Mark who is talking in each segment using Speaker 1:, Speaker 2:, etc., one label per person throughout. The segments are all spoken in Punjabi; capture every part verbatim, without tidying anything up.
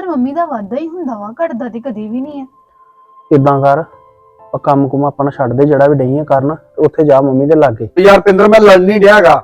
Speaker 1: ਪਰ ਮੰਮੀ ਦਾ ਵਾਧਾ ਹੀ ਹੁੰਦਾ ਵਾ, ਘਟਦਾ ਤੇ ਕਦੀ ਵੀ ਨਹੀਂ ਹੈ।
Speaker 2: ਇਦਾਂ ਕਰ ਆ ਕੰਮ ਕੁਮ ਆਪਾਂ ਛੱਡ ਦੇ, ਜਿਹੜਾ ਵੀ ਡਈਆਂ ਕਰਨ ਉੱਥੇ ਜਾ ਮੰਮੀ ਦੇ ਲਾਗੇ।
Speaker 3: ਯਾਰ ਪਿੰਦਰ ਮੈਂ ਲੜ ਨਹੀਂ ਡਿਆਗਾ।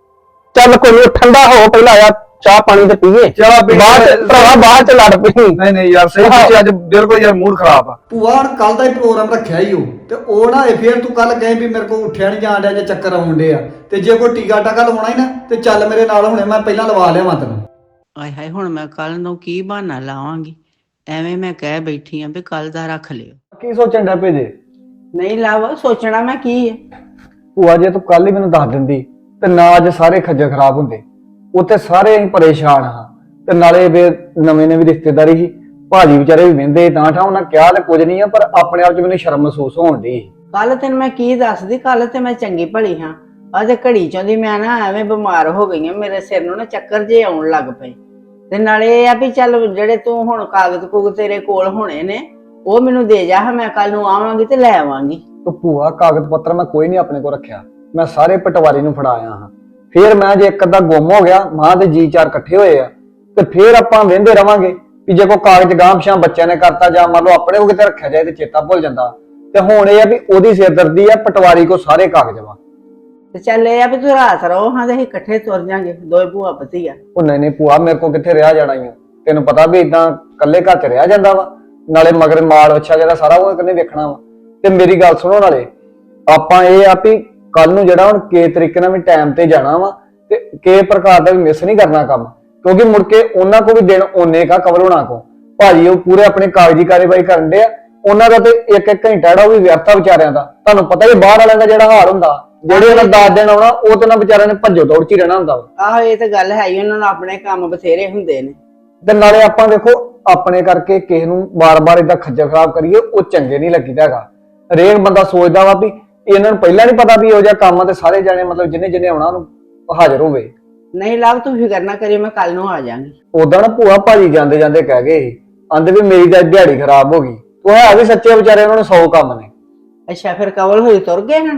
Speaker 2: ਚੱਲ ਕੋਈ ਨੀ, ਠੰਡਾ ਹੋ ਪਹਿਲਾਂ ਆ ਚਾਹ ਪਾਣੀ ਤੇ ਪੀਏ,
Speaker 3: ਚਾਹ ਪੀ
Speaker 2: ਬਾਅਦ ਚ ਭਰਾਵਾ ਬਾਅਦ ਚ ਲੜ ਪਈ।
Speaker 3: ਨਹੀਂ ਨਹੀਂ ਯਾਰ ਸਹੀ ਤੁਸੀਂ ਅੱਜ ਬਿਲਕੁਲ ਯਾਰ ਮੂਡ ਖਰਾਬ ਆ।
Speaker 4: ਭੂਆ ਹੁਣ ਕੱਲ ਦਾ ਹੀ ਪ੍ਰੋਗਰਾਮ ਰੱਖਿਆ ਹੀ ਉਹ ਤੇ ਉਹ ਨਾ ਇਹ ਫੇਰ ਤੂੰ ਕੱਲ ਕਹੇ ਵੀ ਮੇਰੇ ਕੋਲ ਉੱਠਿਆ ਨਹੀਂ ਜਾਣ ਡਿਆ ਜਾਂ ਚੱਕਰ ਆਉਣ ਡਿਆ, ਤੇ ਜੇ ਕੋਈ ਟੀਕਾ ਟਾਕਾ ਲਵਾਉਣਾ ਹੀ ਨਾ ਤੇ ਚੱਲ ਮੇਰੇ ਨਾਲ, ਹੁਣੇ ਮੈਂ ਪਹਿਲਾਂ ਲਵਾ ਲਿਆਵਾਂ ਤੈਨੂੰ।
Speaker 5: ਆਏ ਹਾਏ ਹੁਣ ਮੈਂ ਕੱਲ ਨੂੰ ਕੀ ਬਹਾਨਾ ਲਾਵਾਂਗੀ, ਐਵੇਂ ਮੈਂ ਕਹਿ ਬੈਠੀ ਆਂ ਵੀ ਕੱਲ ਦਾ ਰੱਖ ਲਿਓ।
Speaker 3: ਕੀ ਸੋਚਣ ਡਿਆ ਭੇਜੇ?
Speaker 5: ਨਹੀਂ ਲਾਵਾ ਸੋਚਣਾ ਮੈਂ ਕੀ ਹੈ।
Speaker 3: ਭੂਆ ਜੇ ਤੂੰ ਕੱਲ ਹੀ ਮੈਨੂੰ ਦੱਸ ਦਿੰਦੀ ਤੇ ਨਾ ਅੱਜ ਸਾਰੇ ਖੱਜਲ ਖਰਾਬ ਹੁੰਦੇ, ਉੱਥੇ ਸਾਰੇ ਅਸੀਂ ਪਰੇਸ਼ਾਨ ਹਾਂ ਤੇ ਨਾਲੇ ਵੇ ਨਵੇਂ ਨਵੀਂ ਰਿਸ਼ਤੇਦਾਰੀ ਸੀ, ਭਾਜੀ ਵਿਚਾਰੇ ਵੀ ਵਹਿੰਦੇ ਤਾਂ ਠਾ, ਉਹਨਾਂ ਕਿਹਾ ਤੇ ਕੁਝ ਨਹੀਂ ਆ ਪਰ ਆਪਣੇ ਆਪ ਚ ਮੈਨੂੰ ਸ਼ਰਮ ਮਹਿਸੂਸ ਹੋਣ ਦੀ।
Speaker 5: ਕੱਲ ਤੈਨੂੰ ਮੈਂ ਕੀ ਦੱਸਦੀ, ਕੱਲ ਤੇ ਮੈਂ ਚੰਗੀ ਭਲੀ ਹਾਂ, ਅੱਜ ਘੜੀ ਚੋਂ ਦੀ ਮੈਂ ਨਾ ਐਵੇਂ ਬਿਮਾਰ ਹੋ ਗਈ ਹਾਂ, ਮੇਰੇ ਸਿਰ ਨੂੰ ਨਾ ਚੱਕਰ ਜੇ ਆਉਣ ਲੱਗ ਪਏ। ਤੇ ਨਾਲੇ ਇਹ ਆ ਵੀ ਚੱਲ ਜਿਹੜੇ ਤੂੰ ਹੁਣ ਕਾਗਜ਼ ਕੁਗਜ਼ ਤੇਰੇ ਕੋਲ ਹੋਣੇ ਨੇ ਉਹ ਮੈਨੂੰ ਦੇ ਜਾ, ਮੈਂ ਕੱਲ ਨੂੰ ਆਵਾਂਗੀ ਤੇ ਲੈ ਆਵਾਂਗੀ।
Speaker 3: ਤੂੰ ਭੂਆ ਕਾਗਜ਼ ਪੱਤਰ ਮੈਂ ਕੋਈ ਨਹੀਂ ਆਪਣੇ ਕੋਲ ਰੱਖਿਆ, ਮੈਂ ਸਾਰੇ ਪਟਵਾਰੀ ਨੂੰ ਫੜਾਇਆ ਹਾਂ। ਫੇਰ ਮੈਂ ਜੇ ਇੱਕ ਅੱਧਾ ਗੁੰਮ ਹੋ ਗਿਆ, ਮਾਂ ਦੇ ਜੀ ਚਾਰ ਇਕੱਠੇ ਹੋਏ ਆ ਤੇ ਫੇਰ ਆਪਾਂ ਵਹਿੰਦੇ ਰਵਾਂਗੇ ਵੀ ਜੇ ਕੋਈ ਕਾਗਜ਼ ਗਾਂਭਸ਼ਾਂ ਬੱਚਿਆਂ ਨੇ ਕਰਤਾ ਜਾਂ ਮੰਨ ਲਓ ਆਪਣੇ ਕੋ ਕਿਤੇ ਰੱਖਿਆ ਜਾਏ ਤੇ ਚੇਤਾ ਭੁੱਲ ਜਾਂਦਾ। ਤੇ ਹੁਣ ਇਹ ਆ ਵੀ ਉਹਦੀ ਸਿਰਦਰਦੀ ਆ, ਪਟਵਾਰੀ ਕੋ ਸਾਰੇ ਕਾਗਜ਼ ਵਾ।
Speaker 5: ਤੇ ਚੱਲ ਇਹ ਆ ਵੀ ਤੂੰ ਰਾਤ ਰਹੋ ਹਾਂ ਤੇ ਅਸੀਂ ਇਕੱਠੇ ਤੁਰ ਜਾਾਂਗੇ, ਦੋਏ ਭੂਆ ਭਤੀਆ।
Speaker 3: ਉਹ ਨਹੀਂ ਨਹੀਂ ਭੂਆ ਮੇਰੇ ਕੋ ਕਿੱਥੇ ਰਿਹਾ ਜਾਣਾ ਹੀ ਆ, ਤੈਨੂੰ ਪਤਾ ਵੀ ਇਦਾਂ ਇਕੱਲੇ ਘਰ ਚ ਰਿਹਾ ਜਾਂਦਾ ਵਾ, ਨਾਲੇ ਮਗਰ ਮਾਲ ਅੱਛਾ ਜਿਹੜਾ ਸਾਰਾ ਉਹ ਕਿੰਨੇ ਵੇਖਣਾ ਵਾ। ਤੇ ਮੇਰੀ ਗੱਲ ਸੁਣੋ, ਨਾਲੇ ਆਪਾਂ ਇਹ ਆ ਵੀ ਕੱਲ ਨੂੰ ਜਿਹੜਾ ਹੁਣ ਕੇ ਤਰੀਕੇ ਨਾਲ ਵੀ ਟਾਈਮ ਤੇ ਜਾਣਾ ਵਾ ਤੇ ਕੇ ਪ੍ਰਕਾਰ ਦਾ ਵੀ ਮਿਸ ਨਹੀਂ ਕਰਨਾ ਕੰਮ, ਕਿਉਂਕਿ ਮੁੜ ਕੇ ਉਹਨਾਂ ਕੋ ਵੀ ਦਿਨ ਓਨੇ ਕਾ ਕਵਰ ਹੋਣਾ ਕੋ। ਭਾਜੀ ਉਹ ਪੂਰੇ ਆਪਣੇ ਕਾਗਜ਼ੀ ਕਾਰਵਾਈ ਕਰਨ ਦੇ ਆ, ਉਹਨਾਂ ਦਾ ਤੇ ਇੱਕ ਇੱਕ ਘੰਟਾ ਜਿਹੜਾ ਉਹ ਵੀ ਵਿਅਰਥਾ ਵਿਚਾਰਿਆਂ ਦਾ। ਤੁਹਾਨੂੰ ਪਤਾ ਹੀ ਬਾਹਰ ਵਾਲਿਆਂ ਦਾ ਜਿਹੜਾ ਹਾਲ ਹੁੰਦਾ, ਜਿਹੜੇ ਉਹਨਾਂ ਦਸ ਦਿਨ ਆਉਣਾ ਉਹ ਤੇ ਨਾ ਵਿਚਾਰਿਆਂ ਨੇ ਭੱਜੋ ਦੌੜ ਚ ਹੀ ਰਹਿਣਾ ਹੁੰਦਾ ਵਾ।
Speaker 5: ਆਹੋ ਇਹ ਤਾਂ ਗੱਲ ਹੈ ਹੀ, ਉਹਨਾਂ ਨੂੰ ਆਪਣੇ ਕੰਮ ਬਥੇਰੇ ਹੁੰਦੇ ਨੇ।
Speaker 3: ਤੇ ਨਾਲੇ ਆਪਾਂ ਦੇਖੋ ਆਪਣੇ ਕਰਕੇ ਕਿਸੇ ਨੂੰ ਬਾਰ-ਬਾਰ ਏਦਾਂ ਖੱਜਲ ਖਰਾਬ ਕਰੀਏ, ਉਹ ਚੰਗੇ ਨਹੀਂ ਲੱਗੀਦਾ ਹੈਗਾ। ਹਰੇਕ ਬੰਦਾ ਸੋਚਦਾ ਵਾ ਵੀ ਇਹਨਾਂ ਨੂੰ ਪਹਿਲਾਂ ਨਹੀਂ ਪਤਾ ਵੀ ਇਹੋ ਜਿਹਾ ਕੰਮ ਆ ਤੇ ਸਾਰੇ ਜਾਣੇ ਮਤਲਬ ਜਿੰਨੇ ਜਿੰਨੇ ਆਉਣਾ ਉਹਨੂੰ ਹਾਜ਼ਰ ਹੋਵੇ।
Speaker 5: ਨਹੀਂ ਲਵ ਤੂੰ ਫਿਕਰ ਨਾ ਕਰੀ, ਮੈਂ ਕੱਲ ਨੂੰ ਆ ਜਾਾਂਗੀ।
Speaker 3: ਉਦਾਂ ਨਾ ਭੂਆ ਭਾਜੀ ਜਾਂਦੇ ਜਾਂਦੇ ਕਹਿ ਗਏ ਸੀ, ਆਂਦੇ ਵੀ ਮੇਰੀ ਤਾਂ ਦਿਹਾੜੀ ਖਰਾਬ ਹੋ ਗਈ। ਉਹ ਹੈ ਵੀ ਸੱਚੇ ਵਿਚਾਰੇ, ਉਹਨਾਂ ਨੂੰ ਸੌ ਕੰਮ ਨੇ।
Speaker 5: ਅੱਛਾ ਫਿਰ ਕਵਲ ਹੋਈ ਤੁਰ ਗਏ ਹਨ?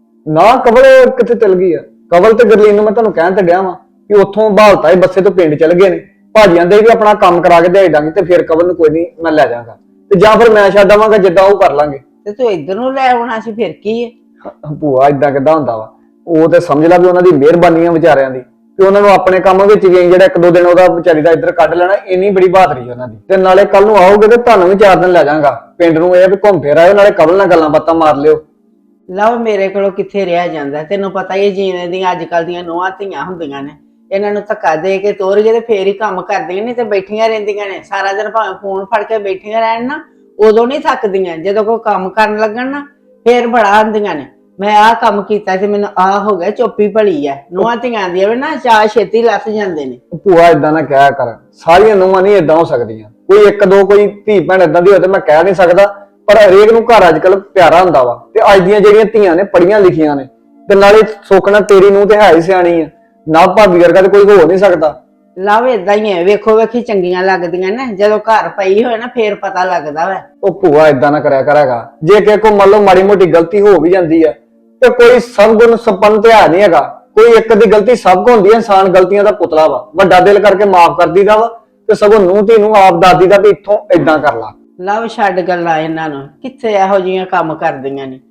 Speaker 3: ਨਾ ਕਵਲ ਕਿੱਥੇ ਚਲ ਗਈ ਆ, ਕਵਲ ਤੇ ਗਰਲੀਨ ਨੂੰ ਮੈਂ ਤੁਹਾਨੂੰ ਕਹਿਣ ਤੇ ਡਿਆ ਵਾਂ ਕਿ ਉੱਥੋਂ ਬਹਾਲਤਾ ਹੀ ਬੱਸੇ ਤੋਂ ਪਿੰਡ ਚਲ ਗਏ ਨੇ। ਭਾਜੀ ਆਂਦੇ ਵੀ ਆਪਣਾ ਕੰਮ ਕਰਾ ਕੇ ਦਿਹਾੜੀ ਦਾਂਗੇ ਤੇ ਫਿਰ ਕਵਲ ਨੂੰ ਕੋਈ ਨਹੀਂ ਮੈਂ ਲੈ ਜਾਵਾਂਗਾ, ਤੇ ਜਾਂ ਫਿਰ ਮੈਂ ਛੱਡ ਆਵਾਂਗਾ, ਜਿੱਦਾਂ ਉਹ ਕਰ ਲਾਂਗੇ।
Speaker 5: ਤੇ ਤੂੰ ਇੱਧਰ ਨੂੰ ਲੈ ਆਉਣਾ ਸੀ, ਫਿਰ ਕੀ ਹੈ।
Speaker 3: ਭੂਆ ਏਦਾਂ ਕਿੱਦਾਂ ਹੁੰਦਾ ਵਾ, ਉਹ ਤੇ ਸਮਝ ਲਾ ਵੀ ਉਹਨਾਂ ਦੀ ਮਿਹਰਬਾਨੀ ਆ ਵਿਚਾਰਿਆਂ ਦੀ ਕਿ ਉਹਨਾਂ ਨੂੰ ਆਪਣੇ ਕੰਮ ਵਿੱਚ ਵੀ ਜਿਹੜਾ ਇੱਕ ਦੋ ਦਿਨ ਉਹਦਾ ਵਿਚਾਰੀ ਦਾ ਇੱਧਰ ਕੱਢ ਲੈਣਾ, ਇੰਨੀ ਬੜੀ ਬਹਾਦਰੀ ਉਹਨਾਂ ਦੀ। ਤੇ ਨਾਲੇ ਕੱਲ ਨੂੰ ਆਓਗੇ ਤੇ ਤੁਹਾਨੂੰ ਵੀ ਚਾਰ ਦਿਨ ਲੈ ਜਾਵਾਂਗਾ ਪਿੰਡ ਨੂੰ, ਇਹ ਵੀ ਘੁੰਮ ਫਿਰ ਆਇਓ, ਨਾਲੇ ਕਵਲ ਨਾਲ ਗੱਲਾਂ ਬਾਤਾਂ ਮਾਰ ਲਿਓ।
Speaker 5: ਲਵ ਮੇਰੇ ਕੋਲੋਂ ਕਿੱਥੇ ਰਿਹਾ ਜਾਂਦਾ, ਤੈਨੂੰ ਪਤਾ ਹੀ ਜੀਣੇ ਦੀਆਂ ਅੱਜ ਕੱਲ ਦੀਆਂ ਨੂੰਹਾਂ ਧੀਆਂ ਹੁੰਦੀਆਂ ਨੇ, ਇਹਨਾਂ ਨੂੰ ਧੱਕਾ ਦੇ ਕੇ ਤੋਰ ਕੇ ਤੇ ਫੇਰ ਹੀ ਕੰਮ ਕਰਦੀਆਂ ਨੇ, ਤੇ ਬੈਠੀਆਂ ਰਹਿੰਦੀਆਂ ਨੇ ਸਾਰਾ ਦਿਨ, ਭਾਵੇਂ ਫੋਨ ਫੜ ਕੇ ਬੈਠੀਆਂ ਰਹਿਣ ਨਾ ਉਦੋਂ ਨਹੀਂ ਥੱਕਦੀਆਂ, ਜਦੋਂ ਕੋਈ ਕੰਮ ਕਰਨ ਲੱਗਣ ਨਾ ਫੇਰ ਬੜਾ ਆਂਦੀਆਂ ਨੇ ਮੈਂ ਆਹ ਕੰਮ ਕੀਤਾ ਤੇ ਮੈਨੂੰ ਆਹ ਹੋ ਗਿਆ। ਚੁੱਪੀ ਭਲੀ ਆ ਨੂੰਹਾਂ ਧੀਆਂ ਦੀ ਵੀ ਨਾ, ਚਾਹ ਛੇਤੀ ਲੱਥ ਜਾਂਦੇ ਨੇ।
Speaker 3: ਭੂਆ ਏਦਾਂ ਨਾ ਕਹਿਆ ਕਰ, ਸਾਰੀਆਂ ਨੂੰਹਾਂ ਨਹੀਂ ਏਦਾਂ ਹੋ ਸਕਦੀਆਂ, ਕੋਈ ਇੱਕ ਦੋ ਕੋਈ ਧੀ ਭੈਣ ਏਦਾਂ ਦੀ ਹੋਵੇ ਮੈਂ ਕਹਿ ਨਹੀਂ ਸਕਦਾ, ਪਰ ਹਰੇਕ ਨੂੰ ਘਰ ਅੱਜ ਕੱਲ ਪਿਆਰਾ ਹੁੰਦਾ ਵਾ। ਤੇ ਅੱਜ ਦੀਆਂ ਜਿਹੜੀਆਂ ਧੀਆਂ ਨੇ ਪੜੀਆਂ ਲਿਖੀਆਂ ਨੇ, ਤੇ ਨਾਲੇ ਸੋਖਣਾ ਤੇਰੀ ਨੂੰ ਤੇ ਹੈ ਹੀ ਸਿਆਣੀ ਆ, ਨਾ ਭਾਬੀ ਵਰਗਾ ਤੇ ਕੋਈ ਹੋ ਨਹੀਂ ਸਕਦਾ।
Speaker 5: ਲਵ ਏਦਾਂ ਹੀ ਹੈ, ਵੇਖੋ ਵੇਖੀ ਚੰਗੀਆਂ ਲੱਗਦੀਆਂ ਨੇ, ਜਦੋਂ ਘਰ ਪਈ ਹੋਏ ਨਾ ਫੇਰ ਪਤਾ ਲੱਗਦਾ ਵਾ।
Speaker 3: ਉਹ ਭੂਆ ਏਦਾਂ ਨਾ ਕਰਿਆ ਕਰਾਂਗਾ, ਜੇ ਕਿਸੇ ਕੋ ਮੰਨ ਲਓ ਮਾੜੀ ਮੋਟੀ ਗਲਤੀ ਹੋ ਵੀ ਜਾਂਦੀ ਆ ਤੇ ਕੋਈ ਸਭ ਗੁਣ ਸੰਪੰਨ ਤੇ ਹੈ ਨਹੀਂ ਹੈਗਾ, ਕੋਈ ਇੱਕ ਦੀ ਗਲਤੀ ਸਭ ਕੋ ਹੁੰਦੀ ਹੈ। ਇਨਸਾਨ ਗਲਤੀਆਂ ਦਾ ਪੁਤਲਾ ਵਾ, ਵੱਡਾ ਦਿਲ ਕਰਕੇ ਮਾਫ ਕਰ ਦੀਦਾ ਵਾ, ਤੇ ਸਗੋਂ ਨੂੰਹ ਧੀ ਨੂੰ ਆਪ ਦੱਸ ਦੀਦਾ ਵੀ ਇੱਥੋਂ ਏਦਾਂ ਕਰ ਲਾ।
Speaker 5: ਲਵ ਛੱਡ ਗੱਲਾਂ ਇਹਨਾਂ ਨੂੰ, ਕਿੱਥੇ ਇਹੋ ਜਿਹੀਆਂ ਕੰਮ ਕਰਦੀਆਂ ਨੇ।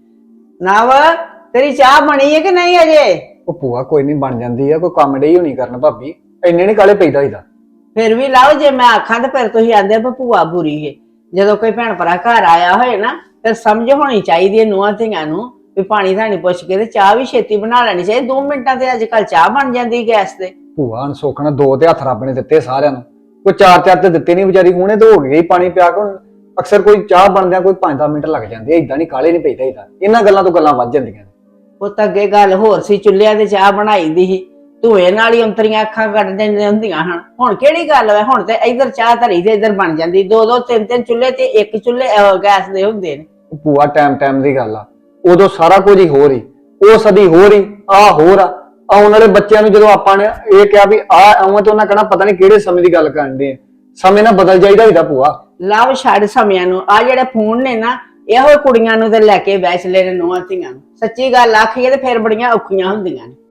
Speaker 5: ਨਵ ਤੇਰੀ ਚਾਹ ਬਣੀ ਹੈ ਕਿ ਨਹੀਂ ਅਜੇ?
Speaker 3: ਉਹ ਭੂਆ ਕੋਈ ਨਹੀਂ ਬਣ ਜਾਂਦੀ ਆ, ਕੋਈ ਕੰਮ ਡਈ ਹੋਣੀ ਕਰਨ ਭਾਬੀ, ਇੰਨੇ ਨੀ ਕਾਲੇ ਪੈਦਾ ਹੀਦਾ।
Speaker 5: ਫਿਰ ਵੀ ਲਵ ਜੇ ਮੈਂ ਆਖਾਂ ਤੇ ਫਿਰ ਤੁਸੀਂ ਆਂਦੇ ਆ ਭੂਆ ਬੁਰੀ ਏ। ਜਦੋਂ ਕੋਈ ਭੈਣ ਭਰਾ ਘਰ ਆਇਆ ਹੋਏ ਨਾ ਫਿਰ ਸਮਝ ਹੋਣੀ ਚਾਹੀਦੀ ਹੈ ਨੂੰਹਾਂ ਧੀਆਂ ਨੂੰ ਵੀ ਪਾਣੀ ਧਾਣੀ ਪੁੱਛ ਕੇ ਤੇ ਚਾਹ ਵੀ ਛੇਤੀ ਬਣਾ ਲੈਣੀ ਚਾਹੀਦੀ। ਦੋ ਮਿੰਟਾਂ ਤੇ ਅੱਜ ਕੱਲ ਚਾਹ ਬਣ ਜਾਂਦੀ ਗੈਸ ਤੇ।
Speaker 3: ਭੂਆ ਨੂੰ ਸੋਖਣਾ ਦੋ ਤੇ ਹੱਥ ਰੱਬ ਨੇ ਦਿੱਤੇ ਸਾਰਿਆਂ ਨੂੰ, ਕੋਈ ਚਾਰ ਚਾਰ ਤੇ ਦਿੱਤੇ ਨਹੀਂ ਵਿਚਾਰੀ, ਹੁਣੇ ਤੇ ਹੋ ਗਈ ਪਾਣੀ ਪਿਆ ਕੇ। ਅਕਸਰ ਕੋਈ ਚਾਹ ਬਣਦਿਆਂ ਕੋਈ ਪੰਜ ਦਸ ਮਿੰਟ ਲੱਗ ਜਾਂਦੇ, ਏਦਾਂ ਨਹੀਂ ਕਾਲੇ ਨਹੀਂ ਪੈਦਾ ਹੀਦਾ। ਇਹਨਾਂ ਗੱਲਾਂ ਤੋਂ ਗੱਲਾਂ ਵੱਧ ਜਾਂਦੀਆਂ ਨੇ।
Speaker 5: ਉਹ ਤਾਂ ਅੱਗੇ ਗੱਲ ਹੋਰ ਸੀ, ਚੁੱਲ੍ਹਿਆਂ ਤੇ ਚਾਹ ਬਣਾਈ ਦੀ ਸੀ, ਧੂਏ ਨਾਲ ਹੀ ਅੰਤਰੀਆਂ ਅੱਖਾਂ ਕੱਢ ਦਿੰਦੀਆਂ ਹੁੰਦੀਆਂ ਹਨ। ਹੁਣ ਕਿਹੜੀ ਗੱਲ ਹੈ, ਹੁਣ ਤੇ ਇੱਧਰ ਚਾਹ ਧਰੀ ਤੇ ਇੱਧਰ ਬਣ ਜਾਂਦੀ। ਦੋ ਦੋ ਤਿੰਨ ਤਿੰਨ ਚੁੱਲ੍ਹੇ ਤੇ ਇੱਕ ਚੁੱਲ੍ਹੇ ਗੈਸ ਦੇ ਹੁੰਦੇ ਨੇ।
Speaker 3: ਭੂਆ ਟਾਈਮ ਟਾਈਮ ਦੀ ਗੱਲ ਆ, ਉਦੋਂ ਸਾਰਾ ਕੁਝ ਹੀ ਹੋ ਰਹੀ, ਉਹ ਸਦੀ ਹੋ ਰਹੀ, ਆਹ ਹੋਰ ਆ। ਆਉਣ ਵਾਲੇ ਬੱਚਿਆਂ ਨੂੰ ਜਦੋਂ ਆਪਾਂ ਨੇ ਇਹ ਕਿਹਾ ਵੀ ਆਹ ਆਉਂ, ਤੇ ਉਹਨਾਂ ਕਹਿਣਾ ਪਤਾ ਨਹੀਂ ਕਿਹੜੇ ਸਮੇਂ ਦੀ ਗੱਲ ਕਰਦੇ ਆ। ਸਮੇਂ ਨਾਲ ਬਦਲ ਜਾਈਦਾ ਹੀਦਾ ਭੂਆ।
Speaker 5: ਲਵ ਛੱਡ ਸਮਿਆਂ ਨੂੰ, ਆ ਜਿਹੜੇ ਫੋਨ ਨੇ ਨਾ ਇਹੋ ਕੁੜੀਆਂ ਨੂੰ ਤੇ ਲੈ ਕੇ ਬੈਠ ਲੈ ਨੇ ਨੂੰਹਾਂ ਧੀਆਂ ਨੂੰ। ਸੱਚੀ ਗੱਲ ਆਖੀਏ ਤੇ ਫਿਰ ਬੜੀਆਂ ਔਖੀਆਂ ਹੁੰਦੀਆਂ ਨੇ।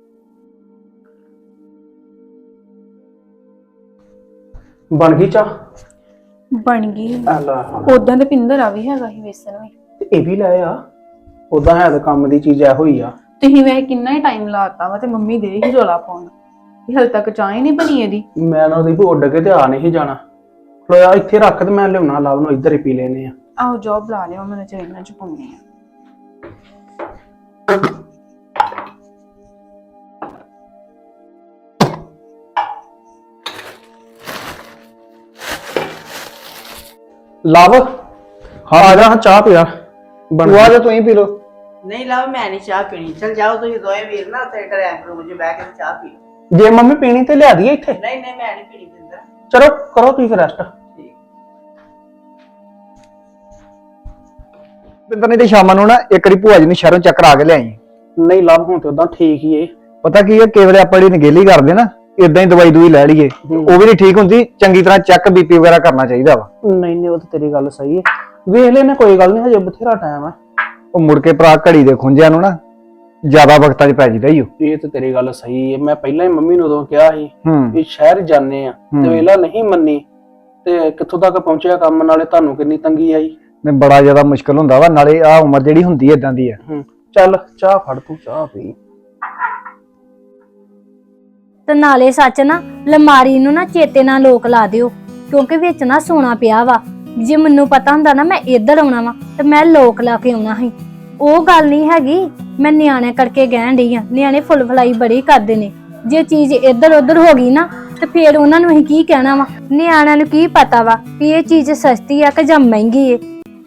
Speaker 2: ਬਣ ਗਈ ਚਾਹ?
Speaker 6: ਬਣ ਗਈ।
Speaker 2: ਆਲਾ
Speaker 6: ਉਦਾਂ ਤੇ ਪਿੰਦਰ ਆ ਵੀ ਹੈਗਾ ਸੀ ਵੇਸਣ ਵੀ।
Speaker 2: ਤੇ ਇਹ ਵੀ ਲੈ ਆ। ਉਦਾਂ ਹੈ ਤਾਂ ਕੰਮ ਦੀ ਚੀਜ਼ ਇਹੋ ਹੀ ਆ।
Speaker 6: ਤੁਸੀਂ ਵੈਸੇ ਕਿੰਨਾ ਹੀ ਟਾਈਮ ਲਾਤਾ ਵਾ ਤੇ ਮੰਮੀ ਦੇ ਹੀ ਰੋਲਾ ਪਾਉਣ ਇਹ ਹਲ ਤੱਕ ਚਾਹ ਹੀ ਨਹੀਂ ਬਣੀ ਇਹਦੀ।
Speaker 2: ਮੈਂ ਨਾ ਉਹਦੀ ਵੀ ਉੱਡ ਕੇ ਤੇ ਆ ਨਹੀਂ ਜਾਣਾ। ਲੋਇਆ ਇੱਥੇ ਰੱਖ ਤੇ ਮੈਂ ਲਿਆਉਣਾ ਲਵ ਨੂੰ ਇੱਧਰ ਹੀ ਪੀ ਲੈਨੇ ਆ।
Speaker 6: ਆਹੋ ਜੋਬ ਲਾ ਲਿਓ ਮੈਨੂੰ ਚਾਹੀਦਾ ਚ ਪਾਉਣੀ ਆ।
Speaker 2: ਲਵ ਹਾਂ ਆ ਜਾ ਚਾਹ ਪਿਆ ਬਣ
Speaker 3: ਤੂੰ ਆ ਜਾ ਤੂੰ ਹੀ ਪੀ ਲੋ।
Speaker 5: ਨਹੀਂ ਲਵ ਮੈਂ ਨਹੀਂ ਚਾਹ ਪੀਣੀ। ਚਲ ਜਾਓ ਤੁਸੀਂ ਦੋਵੇਂ ਵੀਰ ਨਾ ਉੱਥੇ ਡਰਾਈਵ ਰੂਮ 'ਚ ਬਹਿ ਕੇ ਚਾਹ ਪੀ ਲਓ।
Speaker 2: ਜੇ ਮੰਮੀ ਪੀਣੀ ਤੇ ਲਿਆ ਦਈਏ ਇੱਥੇ।
Speaker 5: ਨਹੀਂ ਨਹੀਂ ਮੈਂ ਨਹੀਂ ਪੀਣੀ ਪਿੰਦਰ।
Speaker 2: ਚਲੋ ਕਰੋ ਤੁਸੀਂ ਰੈਸਟ।
Speaker 5: ਠੀਕ।
Speaker 3: ਪਿੰਦਰ ਨਹੀਂ ਤੇ ਸ਼ਾਮਾਂ ਨੂੰ ਨਾ ਇੱਕ ਵਾਰੀ ਭੂਆ ਜੀ ਨੂੰ ਸ਼ਹਿਰੋਂ ਚੱਕਰ ਆ ਕੇ ਲਿਆਈ।
Speaker 2: ਨਹੀਂ ਲਵ ਹੁਣ ਤੇ ਉਦਾਂ ਠੀਕ ਹੀ ਏ।
Speaker 3: ਪਤਾ ਕੀ ਹੈ ਕਈ ਵੇਲੇ ਆਪਾਂ ਜਿਹੜੀ ਨਗੇਲੀ ਕਰਦੇ ਨਾ ਇਦਾਂ ਹੀ ਦਵਾਈ ਦੂਈ ਲੈ ਲਈਏ ਉਹ ਵੀ ਨਹੀਂ ਠੀਕ ਹੁੰਦੀ। ਚੰਗੀ ਤਰ੍ਹਾਂ ਚੈੱਕ ਬੀਪੀ ਵਗੈਰਾ ਕਰਨਾ ਚਾਹੀਦਾ ਵਾ।
Speaker 2: ਨਹੀਂ ਨਹੀਂ ਉਹ ਤਾਂ ਤੇਰੀ ਗੱਲ ਸਹੀ ਹੈ। ਵੇਖ ਲੈਨੇ ਕੋਈ ਗੱਲ ਨਹੀਂ ਹਜੇ ਬਥੇਰਾ ਟਾਈਮ ਆ।
Speaker 3: ਉਹ ਮੁੜ ਕੇ ਭਰਾ ਘੜੀ ਦੇ ਖੁੰਝਿਆਂ ਨੂੰ ਨਾ ਜ਼ਿਆਦਾ ਵਕਤਾਂ 'ਚ ਪੈ ਜਿਦਾ ਹੀ ਉਹ।
Speaker 2: ਇਹ ਤਾਂ ਤੇਰੀ ਗੱਲ ਸਹੀ ਹੈ। ਮੈਂ ਪਹਿਲਾਂ ਹੀ ਮੰਮੀ ਨੂੰ ਉਦੋਂ ਕਿਹਾ ਸੀ
Speaker 3: ਹੂੰ
Speaker 2: ਵੀ ਸ਼ਹਿਰ ਜਾਣੇ ਆ ਤੇ ਵੇਲਾ ਨਹੀਂ ਮੰਨੀ ਤੇ ਕਿੱਥੋਂ ਤੱਕ ਪਹੁੰਚਿਆ ਕੰਮ। ਨਾਲੇ ਤੁਹਾਨੂੰ ਕਿੰਨੀ ਤੰਗੀ ਆਈ।
Speaker 3: ਨੇ ਬੜਾ ਜ਼ਿਆਦਾ ਮੁਸ਼ਕਲ ਹੁੰਦਾ ਵਾ। ਨਾਲੇ ਆ ਉਮਰ ਜਿਹੜੀ ਹੁੰਦੀ ਇਦਾਂ ਦੀ ਆ।
Speaker 2: ਹੂੰ ਚੱਲ ਚਾਹ ਫੜ ਤੂੰ ਚਾਹ ਪੀ।
Speaker 7: ਤੇ ਨਾਲੇ ਸੱਚ ਨਾ ਲਮਾਰੀ ਨੂੰ ਨਾ ਚੇਤੇ ਨਾਲ ਲੋਕ ਲਾ ਦਿਓ ਕਿਉਂਕਿ ਵਿੱਚ ਨਾ ਸੋਨਾ ਪਿਆ ਵਾ। ਜੇ ਮੈਨੂੰ ਪਤਾ ਹੁੰਦਾ ਨਾ ਮੈਂ ਇੱਧਰ ਆਉਣਾ ਵਾ ਤੇ ਮੈਂ ਲੋਕ ਲਾ ਕੇ ਆਉਣਾ ਸੀ। ਉਹ ਗੱਲ ਨਹੀਂ ਹੈਗੀ। ਮੈਂ ਨਿਆਣੇ ਕਰਕੇ ਕਹਿਣ ਡਈ ਆ। ਨਿਆਣੇ ਫੁੱਲ ਫਲਾਈ ਬੜੀ ਕਰਦੇ ਨੇ। ਜੇ ਚੀਜ਼ ਇੱਧਰ ਉੱਧਰ ਹੋ ਗਈ ਨਾ ਤੇ ਫੇਰ ਉਹਨਾਂ ਨੂੰ ਅਸੀਂ ਕੀ ਕਹਿਣਾ ਵਾ। ਨਿਆਣਿਆਂ ਨੂੰ ਕੀ ਪਤਾ ਵਾ ਵੀ ਇਹ ਚੀਜ਼ ਸਸਤੀ ਆ ਕਿ ਜਾਂ ਮਹਿੰਗੀ ਏ।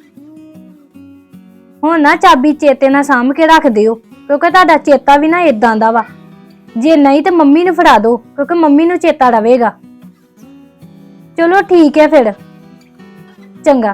Speaker 7: ਹੁਣ ਨਾ ਚਾਬੀ ਚੇਤੇ ਨਾਲ ਸਾਂਭ ਕੇ ਰੱਖ ਦਿਓ ਕਿਉਂਕਿ ਤੁਹਾਡਾ ਚੇਤਾ ਵੀ ਨਾ ਇਦਾਂ ਦਾ ਵਾ। ਜੇ ਨਹੀਂ ਤੇ ਮੰਮੀ ਨੂੰ ਫੜਾ ਦਿਓ ਕਿਉਂਕਿ ਮੰਮੀ ਨੂੰ ਚੇਤਾ ਰਵੇਗਾ। ਚਲੋ ਠੀਕ ਹੈ ਫਿਰ ਚੰਗਾ।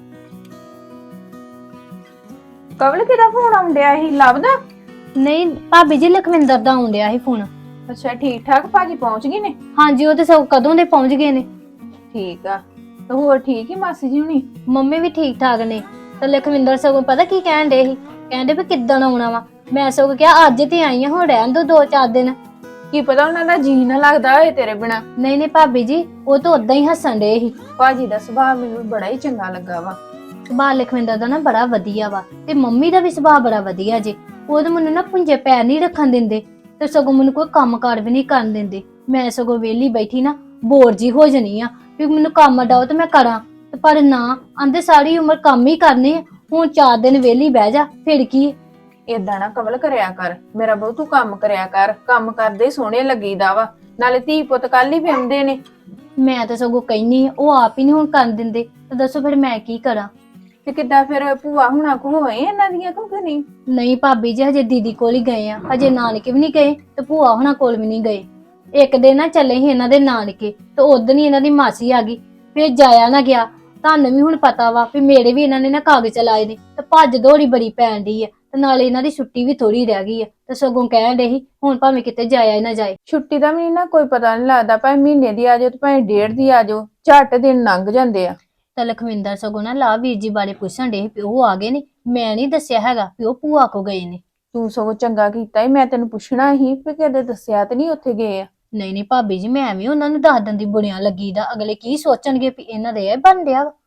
Speaker 6: ਕਵਲ ਕਿਹਦਾ ਫੋਨ ਆਉਂਦਿਆ ਸੀ ਲੱਭਦਾ?
Speaker 7: ਨਹੀਂ ਭਾਬੀ ਜੀ ਲਖਵਿੰਦਰ ਦਾ ਆਉਂਦਿਆ ਸੀ ਫੋਨ।
Speaker 6: ਅੱਛਾ ਠੀਕ ਠਾਕ ਭਾਜੀ ਪਹੁੰਚ ਗਏ ਨੇ?
Speaker 7: ਹਾਂਜੀ ਉਹ ਤੇ ਸਭ ਕਦੋਂ ਦੇ ਪਹੁੰਚ ਗਏ ਨੇ।
Speaker 6: ਠੀਕ ਆ ਤੇ ਹੋਰ ਠੀਕ ਹੀ ਮਾਸੀ ਜੀ ਹੁਣੀ?
Speaker 7: ਮੰਮੀ ਵੀ ਠੀਕ ਠਾਕ ਨੇ। ਤੇ ਲਖਵਿੰਦਰ ਸਗੋਂ ਪਤਾ ਕੀ ਕਹਿਣ ਡੇ ਸੀ ਕਹਿੰਦੇ ਵੀ ਕਿੱਦਣ ਆਉਣਾ ਵਾ। ਮੈਂ ਸਗੋਂ ਕਿਹਾ ਅੱਜ ਤੇ ਆਈ ਆ ਹੁਣ ਰਹਿਣ ਦੋ ਦੋ ਚਾਰ ਦਿਨ।
Speaker 6: ਕੀ ਪਤਾ ਉਹਨਾਂ ਦਾ ਜੀ ਨਾ ਲੱਗਦਾ ਹੋਏ ਤੇਰੇ ਬਿਨਾ।
Speaker 7: ਨਹੀਂ ਨਹੀਂ ਭਾਬੀ ਜੀ ਉਹ ਤਾਂ ਉਦਾਂ ਹੀ ਹੱਸਣ ਡੇ ਸੀ।
Speaker 6: ਭਾਜੀ ਦਾ ਸੁਭਾਅ ਮੈਨੂੰ ਬੜਾ ਹੀ ਚੰਗਾ ਲੱਗਾ ਵਾ।
Speaker 7: ਸੁਭਾਅ ਲਖਵਿੰਦਰ ਦਾ ਨਾ ਬੜਾ ਵਧੀਆ ਵਾ ਤੇ ਮੰਮੀ ਦਾ ਵੀ ਸੁਭਾਅ ਬੜਾ ਵਧੀਆ ਜੇ। ਉਹ ਤਾਂ ਮੈਨੂੰ ਨਾ ਪੁੰਜੇ ਪੈਰ ਨਹੀਂ ਰੱਖਣ ਦਿੰਦੇ ਤੇ ਸਗੋਂ ਮੈਨੂੰ ਕੋਈ ਕੰਮ ਕਾਰ ਵੀ ਨਹੀਂ ਕਰਨ ਦਿੰਦੇ। ਮੈਂ ਸਗੋਂ ਵਿਹਲੀ ਬੈਠੀ ਨਾ ਬੋਰ ਜੀ ਹੋ ਜਣੀ ਆ ਵੀ ਮੈਨੂੰ ਕੰਮ ਡਾਓ ਤੇ ਮੈਂ ਕਰਾਂ ਤੇ ਪਰ ਨਾ ਆਂਦੇ ਸਾਰੀ ਉਮਰ ਕੰਮ ਹੀ ਕਰਨੇ ਆ। ਹੁਣ ਚਾਰ ਦਿਨ ਵਿਹਲੀ ਬਹਿ ਜਾ ਫਿਰ ਕੀ।
Speaker 6: ਏਦਾਂ ਨਾ ਕਵਲ ਕਰਿਆ ਕਰ ਮੇਰਾ ਬਹੁ। ਤੂੰ ਕੰਮ ਕਰਿਆ ਕਰ। ਕੰਮ ਕਰਦੇ ਸੋਹਣੇ ਲੱਗੀਦਾ ਵਾ। ਨਾਲੇ ਧੀ ਪੁੱਤ ਕੱਲ ਹੀ ਵਿਆਹੁੰਦੇ ਨੇ।
Speaker 7: ਮੈਂ ਤਾਂ ਸਗੋਂ ਕਹਿਨੀ ਆ ਉਹ ਆਪ ਹੀ ਨਹੀਂ ਹੁਣ ਕਰਨ ਦਿੰਦੇ ਤੇ ਦੱਸੋ ਫਿਰ ਮੈਂ ਕੀ ਕਰਾਂ।
Speaker 6: ਤੇ ਕਿੱਦਾਂ ਫਿਰ ਭੂਆ ਹੁਣਾਂ ਕੋ ਹੋਏ ਇਹਨਾਂ ਦੀਆਂ ਕਿ ਨਹੀਂ?
Speaker 7: ਨਹੀਂ ਭਾਬੀ ਜੀ ਹਜੇ ਦੀਦੀ ਕੋਲ ਹੀ ਗਏ ਆ। ਹਜੇ ਨਾਨਕੇ ਵੀ ਨਹੀਂ ਗਏ ਤੇ ਭੂਆ ਹੁਣਾਂ ਕੋਲ ਵੀ ਨਹੀਂ ਗਏ। ਇੱਕ ਦਿਨ ਨਾ ਚੱਲੇ ਸੀ ਇਹਨਾਂ ਦੇ ਨਾਨਕੇ ਤੇ ਉਦੋਂ ਹੀ ਇਹਨਾਂ ਦੀ ਮਾਸੀ ਆ ਗਈ ਫਿਰ ਜਾਇਆ ਨਾ ਗਿਆ। ਤੁਹਾਨੂੰ ਵੀ ਹੁਣ ਪਤਾ ਵਾ ਵੀ ਮੇਰੇ ਵੀ ਇਹਨਾਂ ਨੇ ਨਾ ਕਾਗਜ਼ ਚਲਾਏ ਨੇ ਤੇ ਭੱਜ ਦੌੜੀ ਬੜੀ ਪੈਣ ਡਈ ਆ ਤੇ ਨਾਲੇ ਇਹਨਾਂ ਦੀ ਛੁੱਟੀ ਵੀ ਥੋੜੀ ਰਹਿ ਗਈ ਆ ਤੇ ਸਗੋਂ ਕਹਿਣ ਡੇ ਸੀ ਹੁਣ ਭਾਵੇਂ ਕਿਤੇ ਜਾਇਆ ਹੀ ਨਾ ਜਾਏ।
Speaker 6: ਛੁੱਟੀ ਦਾ ਵੀ ਨਾ ਕੋਈ ਪਤਾ ਨਹੀਂ ਲੱਗਦਾ ਭਾਵੇਂ ਮਹੀਨੇ ਦੀ ਆ ਜਾਓ ਤੇ ਭਾਵੇਂ ਡੇਢ ਦੀ ਆ ਜਾਓ ਝੱਟ ਦਿਨ ਲੰਘ ਜਾਂਦੇ ਆ।
Speaker 7: ਤਾਂ ਲਖਵਿੰਦਰ ਸਗੋਂ ਨਾ ਲਾ ਵੀਰ ਜੀ ਬਾਰੇ ਪੁੱਛਣ ਡੇ ਵੀ ਉਹ ਆ ਗਏ ਨੇ। ਮੈਂ ਨਹੀਂ ਦੱਸਿਆ ਹੈਗਾ ਵੀ ਉਹ ਭੂਆ ਕੋ ਗਏ ਨੇ।
Speaker 6: ਤੂੰ ਸਗੋਂ ਚੰਗਾ ਕੀਤਾ ਈ। ਮੈਂ ਤੈਨੂੰ ਪੁੱਛਣਾ ਸੀ ਵੀ ਕਦੇ ਦੱਸਿਆ ਤੇ ਨਹੀਂ ਉੱਥੇ ਗਏ ਆ।
Speaker 7: ਨਹੀਂ ਨਹੀਂ ਭਾਬੀ ਜੀ ਮੈਂ ਵੀ ਉਹਨਾਂ ਨੂੰ ਦੱਸ ਦਿੰਦੀ ਬੁਣਿਆ ਲੱਗੀ ਦਾ। ਅਗਲੇ ਕੀ ਸੋਚਣਗੇ ਵੀ ਇਹਨਾਂ ਦੇ ਇਹ ਬਣ ਡਿਆ ਵਾ।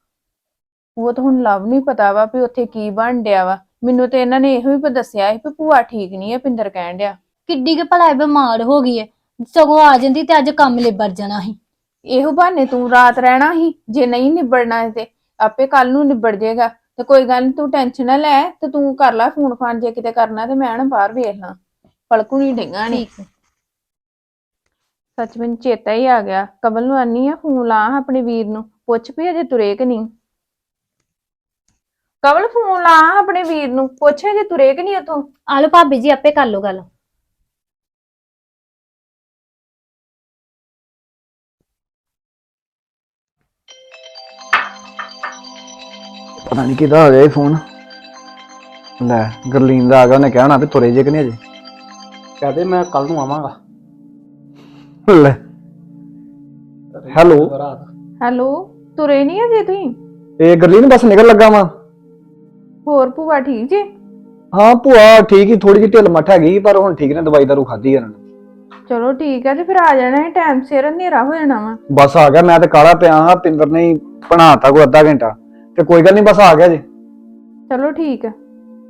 Speaker 6: ਉਹ ਤਾਂ ਹੁਣ ਲਵ ਨਹੀਂ ਪਤਾ ਵਾ ਵੀ ਉੱਥੇ ਕੀ ਬਣ ਡਿਆ ਵਾ। ਮੈਨੂੰ ਤੇ ਇਹਨਾਂ ਨੇ ਇਹੋ ਹੀ ਦੱਸਿਆ ਸੀ ਵੀ ਭੂਆ ਠੀਕ ਨਹੀਂ ਹੈ ਪਿੰਦਰ ਕਹਿਣ ਡਿਆ।
Speaker 7: ਕਿੱਡੀ ਕੇ ਭਲਾ ਬਿਮਾਰ ਹੋ ਗਈ ਹੈ। ਸਗੋਂ ਆ ਜਾਂਦੀ ਤੇ ਅੱਜ ਕੰਮ ਲਿਬੜ ਜਾਣਾ ਸੀ।
Speaker 6: ਇਹੋ ਬਹਾਨੇ ਤੂੰ ਰਾਤ ਰਹਿਣਾ ਸੀ। ਜੇ ਨਹੀਂ ਨਿਬੜਨਾ ਤੇ ਆਪੇ ਕੱਲ ਨੂੰ ਨਿਬੜ ਜਾਏਗਾ। ਤੇ ਕੋਈ ਗੱਲ ਨੀ ਤੂੰ ਟੈਨਸ਼ਨ ਨਾ ਲੈ ਤੇ ਤੂੰ ਕਰ ਲੈ ਫੋਨ ਫਾਨ ਜੇ ਕਿਤੇ ਕਰਨਾ ਤੇ ਮੈਂ ਨਾ ਬਾਹਰ ਵੇਖ ਲਾਂ। ਪਲਕੂ ਨਹੀਂ ਡਿੱਗਾ ਨੀ। ਸੱਚ ਮੈਨੂੰ ਚੇਤਾ ਹੀ ਆ ਗਿਆ। ਕਮਲ ਨੂੰ ਆਨੀ ਆ ਫੋਨ ਲਾ ਆਪਣੇ ਵੀਰ ਨੂੰ ਪੁੱਛ ਵੀ ਅਜੇ ਤੁਰੇ ਕਿ ਨਹੀਂ। ਕਮਲ ਫੋਨ ਲਾ ਆਪਣੇ ਵੀਰ ਨੂੰ ਪੁੱਛ ਅਜੇ ਤੁਰੇ ਕਿ ਨਹੀਂ ਉਥੋਂ।
Speaker 7: ਆ ਲੋ ਭਾਬੀ ਜੀ ਆਪੇ ਕਰ ਲੋ ਗੱਲ।
Speaker 3: ਪਤਾ ਨਹੀਂ ਕਿਹਦਾ ਆ ਗਿਆ ਇਹ ਫੋਨ। ਲੈ ਗਰਲੀਨ ਦਾ ਆ ਗਿਆ। ਉਹਨੇ ਕਹਿਣਾ ਵੀ ਤੁਰੇ ਜੇ ਕਿ ਨਹੀਂ ਅਜੇ।
Speaker 2: ਕਹਦੇ ਮੈਂ ਕੱਲ ਨੂੰ ਆਵਾਂਗਾ।
Speaker 3: ਲੈ ਹੈਲੋ
Speaker 6: ਹੈਲੋ ਤੁਰੇ ਨਹੀਂ ਅਜੇ ਤੁਸੀਂ?
Speaker 3: ਇਹ ਗਰਲੀਨ ਬਸ ਨਿਕਲ ਲੱਗਾ ਵਾ।
Speaker 6: ਹੋਰ ਭੂਆ ਠੀਕ ਜੇ?
Speaker 3: ਹਾਂ ਭੂਆ ਠੀਕ ਹੀ ਥੋੜੀ ਜਿਹੀ ਢਿੱਲ ਮੱਠ ਹੈਗੀ ਪਰ ਹੁਣ ਠੀਕ ਨੇ। ਦਵਾਈ ਦਾਰੂ ਖਾਧੀ ਇਹਨਾਂ ਨੇ।
Speaker 6: ਚਲੋ ਠੀਕ ਹੈ ਤੇ ਫਿਰ ਆ ਜਾਣਾ ਹੈ ਟਾਈਮ ਸਿਰ। ਹਨੇਰਾ ਹੋ ਜਾਣਾ ਵਾ।
Speaker 3: ਬਸ ਆ ਗਿਆ। ਮੈਂ ਤੇ ਕਾਲਾ ਪਿਆ ਹਾਂ। ਪਿੰਦਰ ਨੇ ਬਣਾਤਾ ਕੋ ਅੱਧਾ ਘੰਟਾ ਤੇ ਕੋਈ ਗੱਲ ਨਹੀਂ ਬਸ ਆ ਗਿਆ ਜੀ।
Speaker 6: ਚਲੋ ਠੀਕ ਹੈ।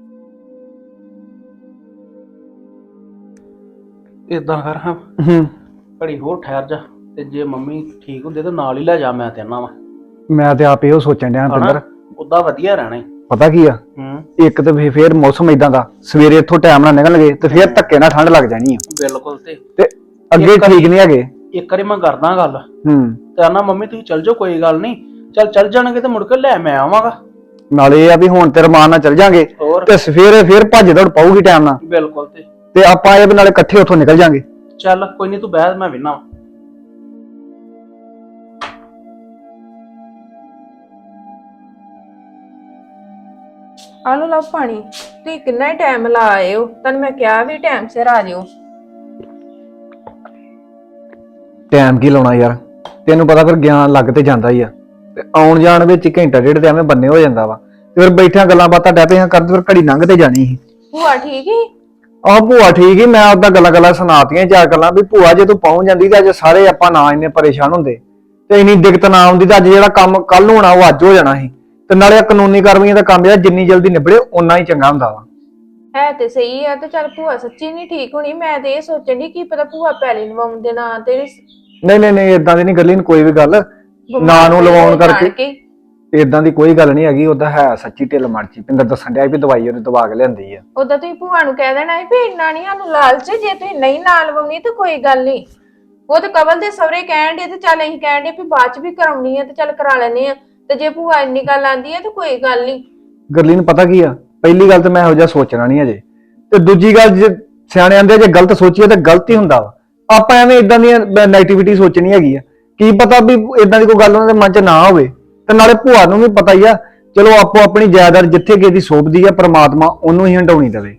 Speaker 2: ਇਦਾਂ ਕਰ ਹਾਂ
Speaker 3: ਹੂੰ
Speaker 2: ਘੜੀ ਹੋਰ ਠਹਿਰ ਜਾ, ਤੇ ਜੇ ਮੰਮੀ ਠੀਕ ਹੁੰਦੇ ਤਾਂ ਨਾਲ ਹੀ ਲੈ ਜਾ, ਮੈਂ ਤੇ ਨਾ ਵਾ
Speaker 3: ਮੈਂ ਤੇ ਆਪ ਇਹੋ ਸੋਚਣ ਡਿਆ ਪਿੰਦਰ।
Speaker 2: ਉਦਾਂ ਵਧੀਆ ਰਹਿਣਾ ਈ।
Speaker 3: ਪਤਾ ਕੀ ਆ,
Speaker 2: ਹੂੰ
Speaker 3: ਇੱਕ ਤੇ ਫੇ- ਫੇਰ ਮੌਸਮ ਇਦਾਂ ਦਾ, ਸਵੇਰੇ ਇੱਥੋਂ ਟਾਈਮ ਨਾਲ ਨਿਕਲਣਗੇ ਤੇ ਫੇਰ ਧੱਕੇ ਨਾਲ ਠੰਡ ਲੱਗ ਜਾਣੀ ਆ
Speaker 2: ਬਿਲਕੁਲ। ਤੇ
Speaker 3: ਤੇ ਅੱਗੇ
Speaker 2: ਇੱਕ
Speaker 3: ਠੀਕ ਨਹੀਂ ਹੈਗੇ।
Speaker 2: ਇੱਕ ਵਾਰੀ ਮੈਂ ਕਰਦਾ ਗੱਲ
Speaker 3: ਹੂੰ
Speaker 2: ਤੇ ਆਨਾ ਮੰਮੀ ਤੁਸੀਂ ਚੱਲ ਜਾਓ, ਕੋਈ ਗੱਲ ਨਹੀਂ, ਚੱਲ ਚੱਲ ਜਾਣਗੇ ਤੇ ਮੁੜ ਕੇ ਲੈ ਮੈਂ ਆਵਾਂਗਾ।
Speaker 3: ਨਾਲੇ ਇਹ ਆ ਵੀ ਹੁਣ ਤੇ ਰਮਾਨ ਨਾਲ ਚੱਲ ਜਾਾਂਗੇ
Speaker 2: ਹੋਰ
Speaker 3: ਤੇ ਸਵੇਰੇ ਫੇਰ ਭੱਜ ਦੌੜ ਪਾਊਗੀ ਟਾਈਮ ਨਾਲ,
Speaker 2: ਬਿਲਕੁਲ। ਤੇ
Speaker 3: ਤੇ ਆਪਾਂ ਇਹ ਵੀ ਨਾਲੇ ਇਕੱਠੇ ਉੱਥੋਂ ਨਿਕਲ ਜਾਾਂਗੇ।
Speaker 2: ਚੱਲ ਕੋਈ ਨਹੀਂ, ਤੂੰ ਬਹਿ, ਮੈਂ ਵੇਨਾ।
Speaker 6: ਆ ਲਓ ਲਓ ਪਾਣੀ। ਤੁਸੀਂ ਕਿੰਨਾ ਹੀ ਟਾਈਮ ਲਾ ਆਏ ਹੋ, ਤੈਨੂੰ ਮੈਂ ਕਿਹਾ ਵੀ ਟਾਈਮ ਸਿਰ ਆ ਜਿਓ।
Speaker 3: ਟਾਈਮ ਕੀ ਲਾਉਣਾ ਯਾਰ, ਤੈਨੂੰ ਪਤਾ ਫਿਰ ਗਿਆਨ ਲੱਗ ਤੇ ਜਾਂਦਾ ਹੀ ਆ, ਤੇ ਆਉਣ ਜਾਣ ਵਿੱਚ ਘੰਟਾ ਡੇਢ ਤੇ ਐਵੇਂ ਬੰਨੇ ਹੋ ਜਾਂਦਾ ਵਾ, ਤੇ ਫਿਰ ਬੈਠਿਆਂ ਗੱਲਾਂ ਬਾਤਾਂ ਡੈ ਪਿਆ ਕਰਦੇ ਫਿਰ ਘੜੀ ਲੰਘ ਤੇ ਜਾਣੀ ਸੀ।
Speaker 6: ਭੂਆ ਠੀਕ ਹੀ?
Speaker 3: ਆਹ ਭੂਆ ਠੀਕ ਹੀ, ਮੈਂ ਉਹਦਾ ਗੱਲਾਂ ਗੱਲਾਂ ਸੁਣਾਤੀਆਂ ਚਾਰ ਗੱਲਾਂ ਵੀ ਭੂਆ ਜੇ ਤੂੰ ਪਹੁੰਚ ਜਾਂਦੀ ਤੇ ਅੱਜ ਸਾਰੇ ਆਪਾਂ ਨਾ ਇੰਨੇ ਪਰੇਸ਼ਾਨ ਹੁੰਦੇ ਤੇ ਇੰਨੀ ਦਿੱਕਤ ਨਾ ਆਉਂਦੀ, ਤੇ ਅੱਜ ਜਿਹੜਾ ਕੰਮ ਕੱਲ ਨੂੰ ਹੋਣਾ ਉਹ ਅੱਜ ਹੋ ਜਾਣਾ ਸੀ। ਤੇ ਨਾਲੇ ਕਾਨੂੰਨੀ ਕਾਰਵਾਈਆਂ ਦਾ ਕੰਮ ਜਿਹੜਾ ਜਿੰਨੀ ਜਲਦੀ ਨਿਬੜੇ ਓਨਾ ਹੀ ਚੰਗਾ ਹੁੰਦਾ ਵਾ।
Speaker 6: ਹੈ ਤੇ ਸਹੀ ਆ, ਤੇ ਚੱਲ ਭੂਆ ਸੱਚੀ ਨਹੀਂ ਠੀਕ ਹੋਣੀ। ਮੈਂ ਤੇ ਇਹ ਸੋਚਣ ਦੀ ਕੀ ਪਤਾ ਭੂਆ ਪੈਲੀ ਲਵਾਉਣ ਦੇ ਨਾਂ ਤੇ
Speaker 3: ਨਹੀਂ ਨਹੀਂ ਨਹੀਂ ਇਦਾਂ ਦੀ ਨਹੀਂ ਗੱਲੀ ਨੀ ਕੋਈ ਵੀ ਗੱਲ, ਨਾਂ ਨੂੰ ਲਵਾਉਣ ਕਰਕੇ ਇਦਾਂ ਦੀ ਕੋਈ ਗੱਲ ਨਹੀਂ ਹੈਗੀ। ਉਹਦਾ ਹੈ ਸੱਚੀ ਢਿੱਲ ਮਰਚੀ, ਪਿੰਦਰ ਦੱਸਣ ਡਿਆ ਵੀ ਦਵਾਈ ਉਹਨੇ ਦਵਾ ਕੇ ਲਿਆਂਦੀ ਆ।
Speaker 6: ਉਦਾਂ ਤੁਸੀਂ ਭੂਆ ਨੂੰ ਕਹਿ ਦੇਣਾ ਸੀ ਵੀ ਇੰਨਾ ਨਹੀਂ ਸਾਨੂੰ ਲਾਲਚ, ਜੇ ਤੁਸੀਂ ਨਹੀਂ ਨਾਲ ਲਵਾਉਣੀ ਤਾਂ ਕੋਈ ਗੱਲ ਨਹੀਂ। ਉਹ ਤੇ ਕਵਲ ਦੇ ਸਹੁਰੇ ਕਹਿਣ ਦੇ, ਤੇ ਚੱਲ ਅਸੀਂ ਕਹਿਣ ਦੇ ਵੀ ਬਾਅਦ ਚ ਵੀ ਕਰਾਉਣੀ ਆ ਤੇ ਚੱਲ ਕਰਾ ਲੈਨੇ ਆ, ਤੇ ਜੇ ਭੂਆ ਇੰਨੀ ਗੱਲ ਆਂਦੀ ਆ ਤੇ ਕੋਈ ਗੱਲ ਨਹੀਂ।
Speaker 3: ਗੱਲੀ ਨੂੰ ਪਤਾ ਕੀ ਆ, ਪਹਿਲੀ ਗੱਲ ਤੇ ਮੈਂ ਇਹੋ ਜਿਹਾ ਸੋਚਣਾ ਨਹੀਂ ਅਜੇ, ਤੇ ਦੂਜੀ ਗੱਲ ਜੇ ਸਿਆਣੇ ਆਂਦੇ ਜੇ ਗਲਤ ਸੋਚੀਏ ਤਾਂ ਗਲਤ ਹੀ ਹੁੰਦਾ ਵਾ। ਆਪਾਂ ਐਵੇਂ ਇਦਾਂ ਦੀਆਂ ਨੈਗੇਟਿਵਿਟੀ ਸੋਚਣੀ ਹੈਗੀ ਆ, ਕੀ ਪਤਾ ਵੀ ਇਦਾਂ ਦੀ ਕੋਈ ਗੱਲ ਉਹਨਾਂ ਦੇ ਮਨ 'ਚ ਨਾ ਹੋਵੇ। ਤੇ ਨਾਲੇ ਭੂਆ ਨੂੰ ਵੀ ਪਤਾ ਹੀ ਆ, ਚਲੋ ਆਪੋ ਆਪਣੀ ਜਾਇਦਾਦ ਜਿੱਥੇ ਕਿਸੇ ਦੀ ਸੋਭਦੀ ਆ, ਪ੍ਰਮਾਤਮਾ ਉਹਨੂੰ ਹੀ ਹੰਡਾਉਣੀ ਦੇਵੇ।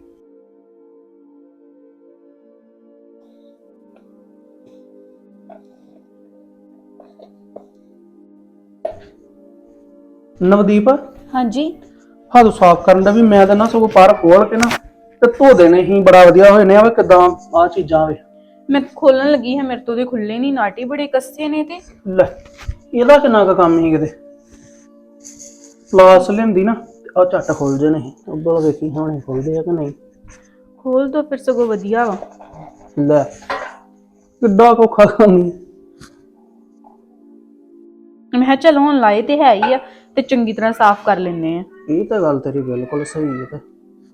Speaker 2: ਨਵਦੀਪ,
Speaker 1: ਹਾਂਜੀ
Speaker 2: ਹੱਥ ਸਾਫ਼ ਕਰਨ ਦਾ ਵੀ ਮੈਂ ਤਾਂ ਨਾ ਸਗੋਂ ਪਰ ਖੋਲ ਕੇ ਨਾ ਤੇ ਧੋ ਦੇਣੇ ਹੀ, ਬੜਾ ਵਧੀਆ ਹੋਏ ਨੇ। ਆ ਕਿਦਾਂ ਆ ਚੀਜ਼ਾਂ ਵੇ,
Speaker 1: ਮੈਂ ਖੋਲਣ ਲੱਗੀ ਹਾਂ, ਮੇਰੇ ਤੋਂ ਦੇ ਖੁੱਲੇ ਨਹੀਂ, ਨਾਟੀ ਬੜੇ ਕੱਸੇ ਨੇ। ਤੇ
Speaker 2: ਲੈ ਇਹਦਾ ਕਿੰਨਾ ਕੁ ਕੰਮ ਹੀ ਕਿਤੇ ਪਲਾਸ ਲੈਂਦੀ ਨਾ, ਆ ਝੱਟ ਖੁੱਲ ਜੇ ਨਹੀਂ। ਉੱਧਰ ਵੇਖੀ ਹੁਣੇ ਖੁੱਲਦੇ ਆ ਕਿ ਨਹੀਂ।
Speaker 1: ਖੋਲ ਦੋ ਫਿਰ, ਸਗੋਂ ਵਧੀਆ ਵਾ।
Speaker 2: ਲੈ ਕਿੱਡਾ ਕੋਖਾ ਕੰਮ ਈ।
Speaker 1: ਮੈਂ ਕਿਹਾ ਚਲ ਹੁਣ ਲਾਏ ਤੇ ਹੈ ਹੀ ਆ, ਤੇ ਚੰਗੀ ਤਰ੍ਹਾਂ ਸਾਫ਼ ਕਰ ਲੈਨੇ ਆ।
Speaker 2: ਇਹ ਤਾਂ ਗੱਲ ਤੇਰੀ ਬਿਲਕੁਲ ਸਹੀ ਹੈ। ਤੇ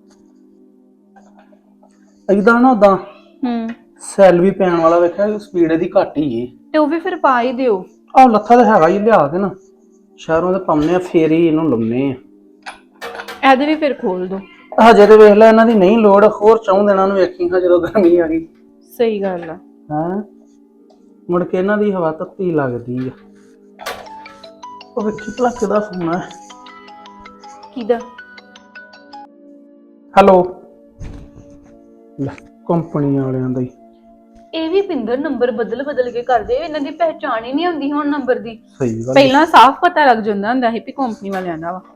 Speaker 2: ਇਦਾਂ ਨਾ ਉਦਾਂ
Speaker 1: ਹੂੰ,
Speaker 2: ਸੈੱਲ ਵੀ ਪੈਣ ਵਾਲਾ ਵੇਖਿਆ, ਸਪੀਡ ਇਹਦੀ ਘੱਟ ਹੀ ਏ।
Speaker 1: ਤੇ ਉਹ ਵੀ ਫਿਰ ਪਾ ਹੀ ਦਿਓ।
Speaker 2: ਆਹ ਲੱਥਾ ਤਾਂ ਹੈਗਾ ਹੀ, ਲਿਆ ਕੇ ਨਾ ਸ਼ਹਿਰੋਂ ਦੇ ਪਾਉਂਦੇ ਆ, ਫੇਰ ਹੀ ਇਹਨੂੰ ਲਾਉਂਦੇ ਆ।
Speaker 1: ਇਹਦੇ ਵੀ ਫਿਰ ਖੋਲ ਦੋ।
Speaker 2: ਹਜੇ ਤੇ ਵੇਖ ਲੈ ਇਹਨਾਂ ਦੀ ਨਹੀਂ ਲੋੜ, ਹੋਰ ਚੌਂ ਦਿਨਾਂ ਨੂੰ ਵੇਖੀ ਹਾਂ ਜਦੋਂ ਗਰਮੀ ਆ ਗਈ।
Speaker 1: ਸਹੀ ਗੱਲ ਆ।
Speaker 2: ਹੈਂ ਮੁੜ ਕੇ ਇਹਨਾਂ ਦੀ ਹਵਾ ਤੱਤੀ ਲੱਗਦੀ ਆ। ਉਹ ਵੇਖੀ ਭਲਾ ਕਿਹਦਾ ਫੋਨ ਹੈ।
Speaker 1: ਕਿਹਦਾ?
Speaker 2: ਹੈਲੋ, ਲੈ ਕੰਪਨੀ ਵਾਲਿਆਂ ਦਾ ਹੀ।
Speaker 1: ਇਹ ਵੀ ਪਿੰਦਰ ਨੰਬਰ ਬਦਲ ਬਦਲ ਕੇ ਕਰਦੇ, ਇਹਨਾਂ ਦੀ ਪਹਿਚਾਣ ਹੀ ਨਹੀਂ ਹੁੰਦੀ ਹੁਣ ਨੰਬਰ ਦੀ।
Speaker 2: ਸਹੀ ਗੱਲ।
Speaker 1: ਪਹਿਲਾਂ ਸਾਫ਼ ਪਤਾ ਲੱਗ ਜਾਂਦਾ ਹੁੰਦਾ ਸੀ ਵੀ ਕੰਪਨੀ ਵਾਲਿਆਂ ਦਾ ਵਾ।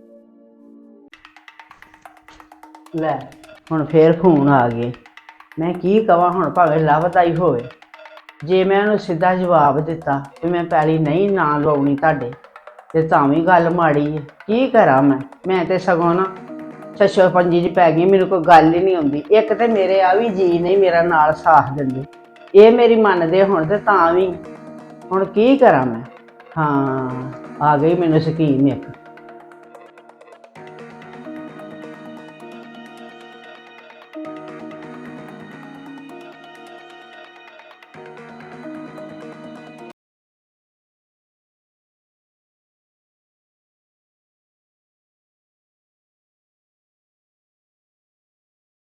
Speaker 5: ਲੈ ਹੁਣ ਫੇਰ ਫੋਨ ਆ ਗਏ, ਮੈਂ ਕੀ ਕਵਾਂ ਹੁਣ, ਭਾਵੇਂ ਲਾਭਦਾਈ ਹੋਵੇ। ਜੇ ਮੈਂ ਉਹਨੂੰ ਸਿੱਧਾ ਜਵਾਬ ਦਿੱਤਾ ਕਿ ਮੈਂ ਪੈਲੀ ਨਹੀਂ ਨਾ ਲਵਾਉਣੀ ਤੁਹਾਡੇ, ਤੇ ਤਾਂ ਵੀ ਗੱਲ ਮਾੜੀ ਹੈ। ਕੀ ਕਰਾਂ ਮੈਂ ਮੈਂ ਤੇ ਸਗੋਂ ਨਾ ਛੱਛੋ ਪੰਜੀ ਚ ਪੈ ਗਈ, ਮੈਨੂੰ ਕੋਈ ਗੱਲ ਹੀ ਨਹੀਂ ਆਉਂਦੀ। ਇੱਕ ਤੇ ਮੇਰੇ ਆ ਵੀ ਜੀ ਨਹੀਂ ਮੇਰਾ ਨਾਲ ਸਾਥ ਦਿੰਦੇ, ਇਹ ਮੇਰੀ ਮੰਨਦੇ ਹੁਣ ਤੇ ਤਾਂ ਵੀ ਹੁਣ ਕੀ ਕਰਾਂ ਮੈਂ। ਹਾਂ ਆ ਗਈ ਮੈਨੂੰ ਸਕੀਮ ਇੱਕ।